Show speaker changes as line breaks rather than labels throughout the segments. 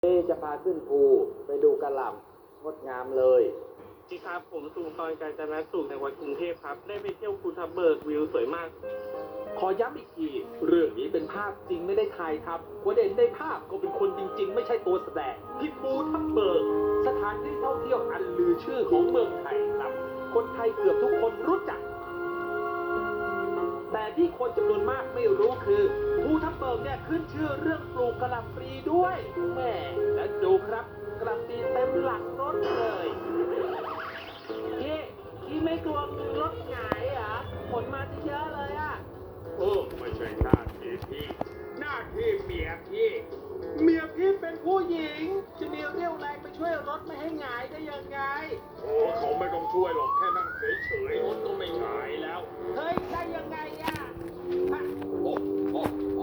จะพาขึ้นภูไปดูกระหล่ำงดงามเลย
จีครับผมสุนทรกาญจนสุขในวัดกรุงเทพครับได้ไปเที่ยวภูทับเบิกวิวสวยมาก
ขอย้ำอีกทีเรื่องนี้เป็นภาพจริงไม่ได้ถ่ายทำคนเด่นในภาพก็เป็นคนจริงๆไม่ใช่ตัวแสดงที่ภูทับเบิกสถานที่ท่องเที่ยวอันลือชื่อของเมืองไทยครับคนไทยเกือบทุกคนรู้จักแต่ที่คนจำนวนมากไม่รู้คือภูทับเบิกเนี่ยขึ้นชื่อเรื่องปลูกกะหล่ำปลีด้วยแม่และดูครับกะหล่ำปลีเต็มหลังรถเลยพี่ไม่กลัวรถหงายเหรอขนมาเยอะเลยอ่ะ
ไม่ใช่หน้าที่พี่หน้าที่เมียพี่
เป็นผู้หญิงจะมีเรี่ยวแรงไปช่วยรถไม่ให้หงายได้ยังไง
เขาไม่ต้องช่วยหรอกแค่นั่งเฉยๆรถก็ไม่หงายแล้ว
เฮ้ยได้ยังไงอ่ะโอ้โห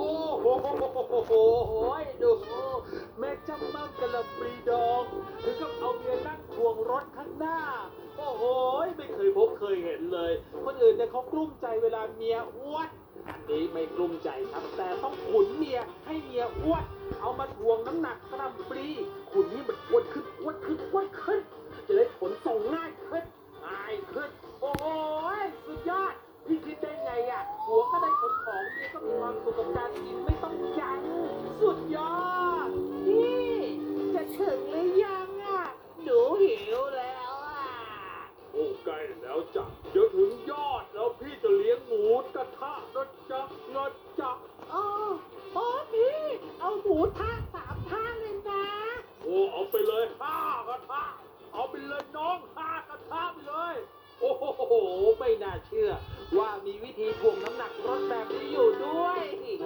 ดูแม่จำมั่งกะหล่ำปลีดองถึงกับเอาเมียนั่งทวงรถข้างหน้าโอ้โหไม่เคยพบเคยเห็นเลยคนอื่นเนี่ยเขากลุ้มใจเวลาเมียอ้วนอันนี้ไม่กลุ้มใจครับแต่ต้องขุนเมียให้เมียอ้วนเอามาทวงน้ำหนักกะหล่ำปลีขุนนี่มันอ้วนขึ้นจะได้ขนส่งง่ายขึ้นโอ้โหสุดยอดพี่คิดได้ไงอ่ะหัวก็ได้ขนของเมียก็มีความสุขกับการกินไม่ต้องยั้งสุดยอดพี่จะถึงหรือยังอ่ะหนูหิวแล้วอ่ะ
โอ้ใกล้แล้วจ้ะเดี๋ยวถึงยอดแล้วพี่จะเลี้ยงหมูกระทะนะจ๊ะ
อ๋อพี่เอาหมูท่า3 ท่าเลยนะ
เอาไปเลย5 กระทะเอาไปเลยน้อง5 กระทะไปเลย
โอ้โหไม่น่าเชื่อว่ามีวิธีถ่วงน้ำหนักรถแบบนี้อยู่ด้วย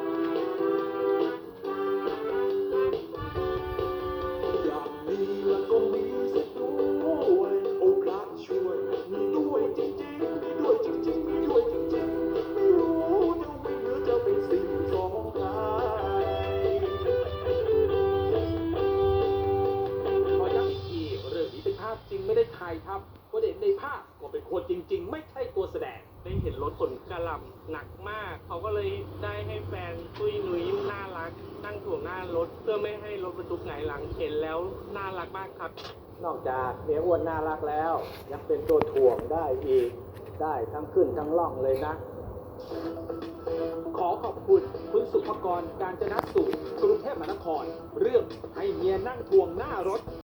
อย่างนี้แล้วก็มีเสียด้วยโอ้พระช่วยมีด้วยจริงๆมีด้วยจริงๆไม่รู้จะวิ่งหรือจะเป็นสิ่งของใคร
ขอย้ำอีกทีเรื่องนี้เป็นภาพจริงไม่ได้ถ่ายทำคนเห็นในภาพก็เป็นคนจริงๆไม่ใช่ตัวแสดง
ได้เห็นรถขนกระหล่ำหนักมากเขาก็เลยได้ให้แฟนตุ้ยนุ้ยน่ารักนั่งถ่วงหน้ารถเพื่อไม่ให้รถบรรทุกหงายหลังเห็นแล้วน่ารักมากครับ
นอกจากเมียอ้วนน่ารักแล้วยังเป็นตัวถ่วงได้อีกได้ทั้งขึ้นทั้งล่องเลยนะ ขอขอบคุณคุณสุภกร กาญจนสุขกรุงเทพมหานครเรื่องให้เมียนั่งทวงหน้ารถ